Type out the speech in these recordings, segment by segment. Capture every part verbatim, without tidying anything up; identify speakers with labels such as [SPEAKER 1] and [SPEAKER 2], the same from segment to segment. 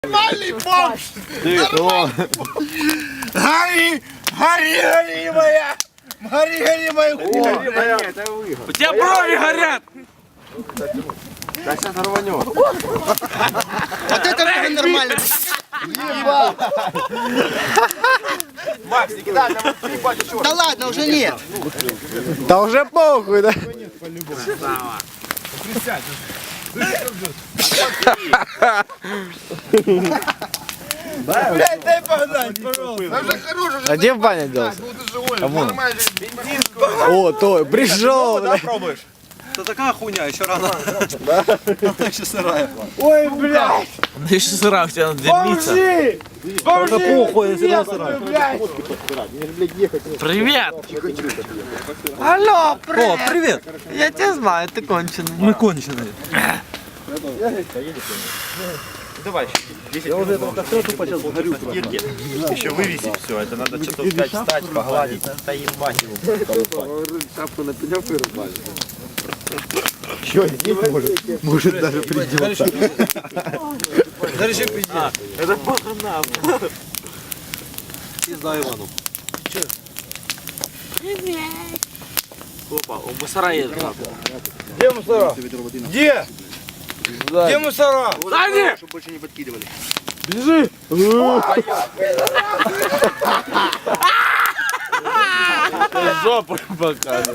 [SPEAKER 1] Нормальный бомж! Гори! Гори, гори моя! Гори, гори моя хуйня!
[SPEAKER 2] У тебя брови горят!
[SPEAKER 3] Да сейчас рванет.
[SPEAKER 1] Вот это уже нормально!
[SPEAKER 3] Макс, не кидай, нам ебать еще.
[SPEAKER 1] Да ладно, уже нет!
[SPEAKER 4] Да уже похуй, да?
[SPEAKER 1] Блядь, дай погнать, пожалуйста! Да уже хорош, уже
[SPEAKER 4] А где в бане делся?
[SPEAKER 1] ну ты живой, нормально!
[SPEAKER 4] О, то, пришел,
[SPEAKER 3] Да,
[SPEAKER 4] блядь.
[SPEAKER 3] пробуешь?
[SPEAKER 2] Это такая хуйня, еще рано.
[SPEAKER 3] Да? Еще сырая.
[SPEAKER 4] Ой, блядь.
[SPEAKER 2] Да еще сыра, у тебя надо дымиться.
[SPEAKER 4] Бомжи!
[SPEAKER 2] Это похуй, если она сырая. Привет!
[SPEAKER 4] Алло,
[SPEAKER 2] О, привет!
[SPEAKER 4] я тебя знаю, ты конченый.
[SPEAKER 2] Мы конченые.
[SPEAKER 3] Давай, я уже этого костра тупо сейчас сгорю. Еще вывесить все, это надо что-то взять, встать, погладить. Да ебать его. Шапку на пенек вырубали.
[SPEAKER 4] Чё, здесь может, может даже придется.
[SPEAKER 2] Даже еще придет. Это похана. Пизда Ивану.
[SPEAKER 5] Привет.
[SPEAKER 2] Опа, у мусора едет.
[SPEAKER 1] Где мусора? Где? Где мусора?
[SPEAKER 2] Сзади!
[SPEAKER 3] Чтобы больше не подкидывали.
[SPEAKER 4] Бежи!
[SPEAKER 2] Жопу покажет.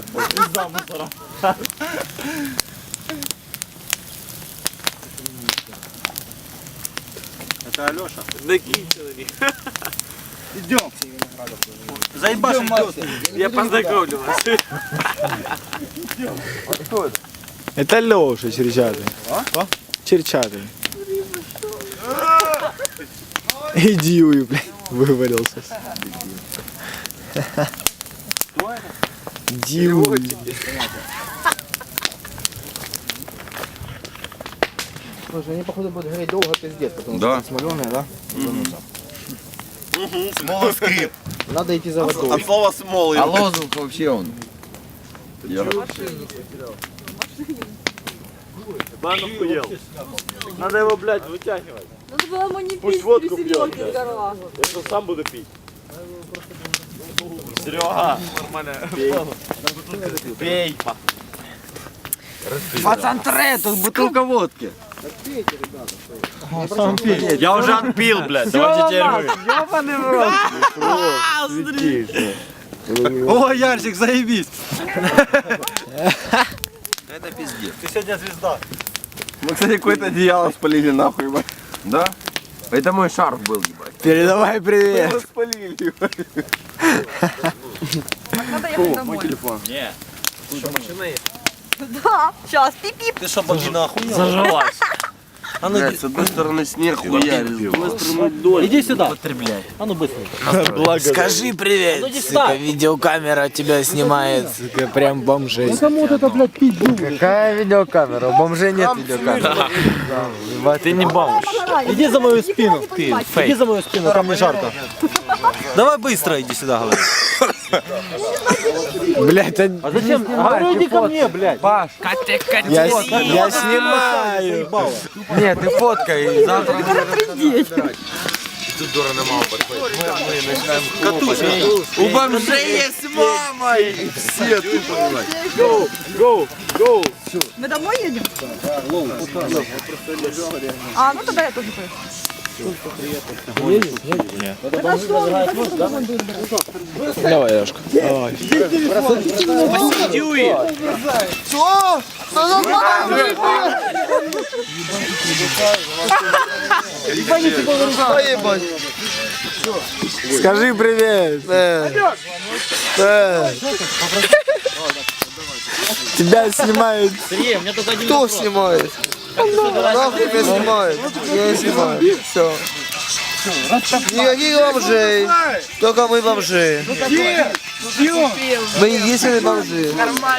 [SPEAKER 3] Это Алеша.
[SPEAKER 2] Накинь человек.
[SPEAKER 1] Идем!
[SPEAKER 2] Заебашь, я познакомлю вас.
[SPEAKER 4] Это Леша Черчатый.
[SPEAKER 1] А?
[SPEAKER 4] Черчатый. Иди, уй, блядь, вывалился. Дьюй.
[SPEAKER 1] Слушай, они походу будут гореть долго, пиздец, потому
[SPEAKER 3] Да.
[SPEAKER 1] что смоленые, да?
[SPEAKER 3] Смолоскрип.
[SPEAKER 1] Надо идти за водой.
[SPEAKER 3] От слова смолы.
[SPEAKER 6] А лозунг вообще он.
[SPEAKER 2] Бан охуел. Надо его, блядь, вытягивать.
[SPEAKER 5] Надо было ему не
[SPEAKER 2] Пусть
[SPEAKER 5] пить
[SPEAKER 2] водку
[SPEAKER 5] при
[SPEAKER 2] пьет,
[SPEAKER 5] селёдке
[SPEAKER 2] блядь.
[SPEAKER 5] с горла.
[SPEAKER 2] Я что, сам буду пить. Серега, нормально.
[SPEAKER 3] Пей.
[SPEAKER 6] Пацантре, тут бутылка водки.
[SPEAKER 3] Я уже отпил, блядь. Давайте теперь вы.
[SPEAKER 4] Ёбаный в рот.
[SPEAKER 2] О, Ярчик, заебись.
[SPEAKER 3] Это пиздец.
[SPEAKER 2] Ты сегодня звезда.
[SPEAKER 3] Мы, кстати, какое-то одеяло спалили нахуй, ебать. Да? Это мой шарф был, ебать.
[SPEAKER 4] Передавай привет.
[SPEAKER 3] Мы спалили, ебать.
[SPEAKER 5] Надо ехать
[SPEAKER 3] Мой
[SPEAKER 5] домой.
[SPEAKER 3] телефон.
[SPEAKER 2] Не. Что, машина есть?
[SPEAKER 5] Да, сейчас, пип-пип.
[SPEAKER 2] Ты что, богина охуела? Зажалась. А ну,
[SPEAKER 3] Блядь, с одной стороны снег хуярит, с другой стороны дождь.
[SPEAKER 2] иди сюда. Потребляй. А ну быстренько.
[SPEAKER 4] Скажи привет.
[SPEAKER 2] Ну, не
[SPEAKER 4] Сука,
[SPEAKER 2] ставь.
[SPEAKER 4] видеокамера тебя снимает. Сука, прям бомжей.
[SPEAKER 1] Кому вот это, блядь, пить будешь?
[SPEAKER 4] Какая видеокамера? У бомжей нет видеокамеры.
[SPEAKER 2] Ты не бомж. Иди за мою спину. Ты Иди за мою спину, там не жарко. Давай быстро иди сюда, говорю.
[SPEAKER 4] Блять, а...
[SPEAKER 2] А зачем? Говорю, иди ко мне, блядь.
[SPEAKER 4] Паш, я, с- я снимаю. Нет, ты фоткай. Завтра
[SPEAKER 3] Тут дура на маму подходит. Мы начинаем
[SPEAKER 2] Катушка.
[SPEAKER 4] у бомжей есть мама.
[SPEAKER 3] все тупо, блядь.
[SPEAKER 2] Go, go, go.
[SPEAKER 5] Мы домой едем? А, ну тогда я тоже поеду.
[SPEAKER 4] Давай, Яшка. Давай.
[SPEAKER 1] Что?
[SPEAKER 4] Скажи привет. Э. Э. Тебя снимают.
[SPEAKER 2] Сергей, у меня только один
[SPEAKER 1] Кто снимает? Нахуй меня снимает? Я не снимаю. Все. Никаких бомжей. Только мы бомжи. Мы единственные бомжи.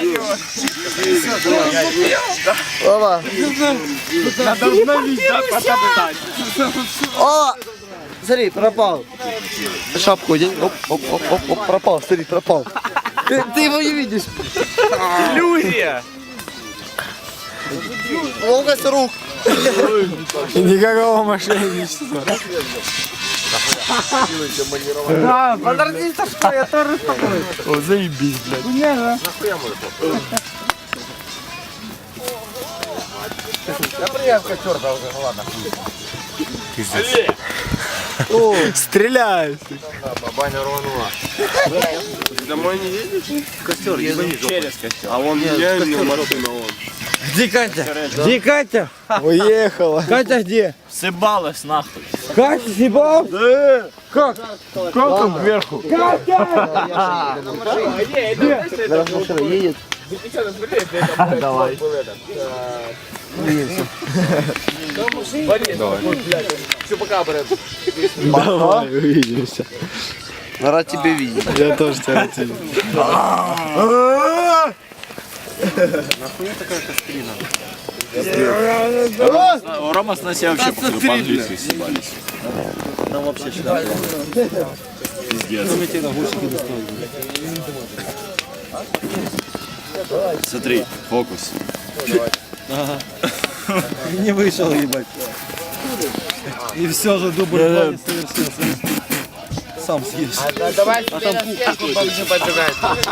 [SPEAKER 1] Опа.
[SPEAKER 2] Надо обновить, да, потоптать.
[SPEAKER 1] О! Смотри, пропал. Шапку одень. Оп, оп, оп, оп, оп, пропал. Смотри, пропал. Ты, ты его не видишь.
[SPEAKER 2] Иллюзия.
[SPEAKER 1] Ловкость рук.
[SPEAKER 4] Никакого мошенничества.
[SPEAKER 6] Да, подожди, что я тоже такой.
[SPEAKER 4] О, заебись, блядь. Стреляй!
[SPEAKER 3] Баня рванула. Домой не едешь? Костер, через костер. А он меня не машина, он.
[SPEAKER 4] Где Катя? Где Катя? Уехала. Катя где?
[SPEAKER 2] Сыбалась нахуй.
[SPEAKER 4] Катя съебал? Да. Как? Как там кверху?
[SPEAKER 1] Зараз машина едет.
[SPEAKER 3] Давай. Все, пока, брат.
[SPEAKER 4] Давай, увидимся.
[SPEAKER 1] Рад тебя видеть.
[SPEAKER 4] Я тоже тебя хотел.
[SPEAKER 2] Рома с Настей вообще походу по-английски съебались.
[SPEAKER 4] Там вообще сюда.
[SPEAKER 2] Пиздец. Смотри, фокус.
[SPEAKER 4] Не вышел, ебать. И все же дубль два не совершился. Сам съешь.
[SPEAKER 6] Давай тебе на стенку бомжи поджигать.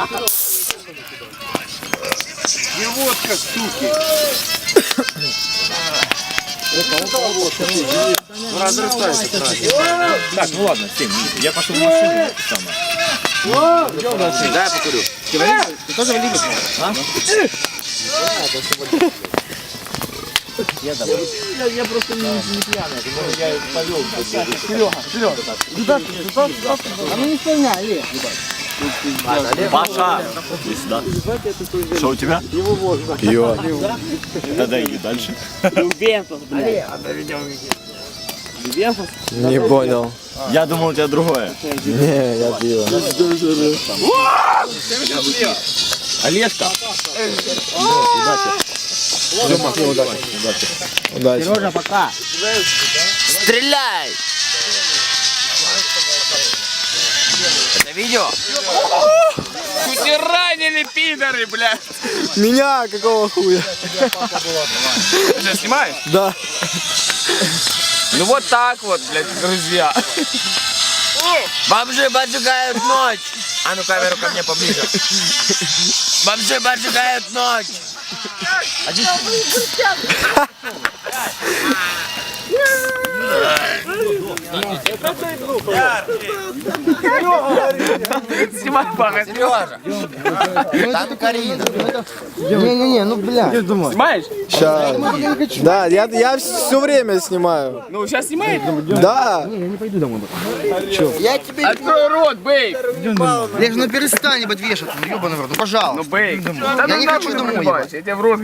[SPEAKER 3] Не водка, суки. Разрастается.
[SPEAKER 2] Так, ну ладно, Сень, я пошел в машину. Самое.
[SPEAKER 3] Да, я покурю.
[SPEAKER 2] Ты тоже валидишь? А? Я давай. Я просто не, не пьяный, я повел. Серега, Серега. А ну не стреляй, Паша, иди сюда. Что у тебя?
[SPEAKER 4] Пиво.
[SPEAKER 2] Тогда иди дальше.
[SPEAKER 4] Не понял.
[SPEAKER 2] Я думал, у тебя другое.
[SPEAKER 4] Не, я пиво.
[SPEAKER 2] Олежка.
[SPEAKER 4] Удачи.
[SPEAKER 2] Сережа, пока.
[SPEAKER 6] Стреляй! Это видео? Чуть не ранили, пидоры, блядь!
[SPEAKER 4] Меня какого хуя?
[SPEAKER 6] Ты что, снимаешь?
[SPEAKER 4] Да.
[SPEAKER 6] Ну вот так вот, блядь, друзья. Бомжи поджигают ночь. А ну камеру ко мне поближе. Бомжи поджигают ночь. Снимай, пага, Сережа.
[SPEAKER 1] Там Карина. Не-не-не, ну бля.
[SPEAKER 6] Снимаешь?
[SPEAKER 4] Сейчас. Да, я, я все время снимаю.
[SPEAKER 6] Ну, сейчас снимай.
[SPEAKER 4] Да.
[SPEAKER 1] Я тебе...
[SPEAKER 6] Открой рот, бей.
[SPEAKER 1] Леж, ну перестань, ебать, вешаться, ну ебаный в рот, ну пожалуйста.
[SPEAKER 6] Ну, бей.
[SPEAKER 1] Я не хочу домой, ебать.
[SPEAKER 6] Я тебя в рот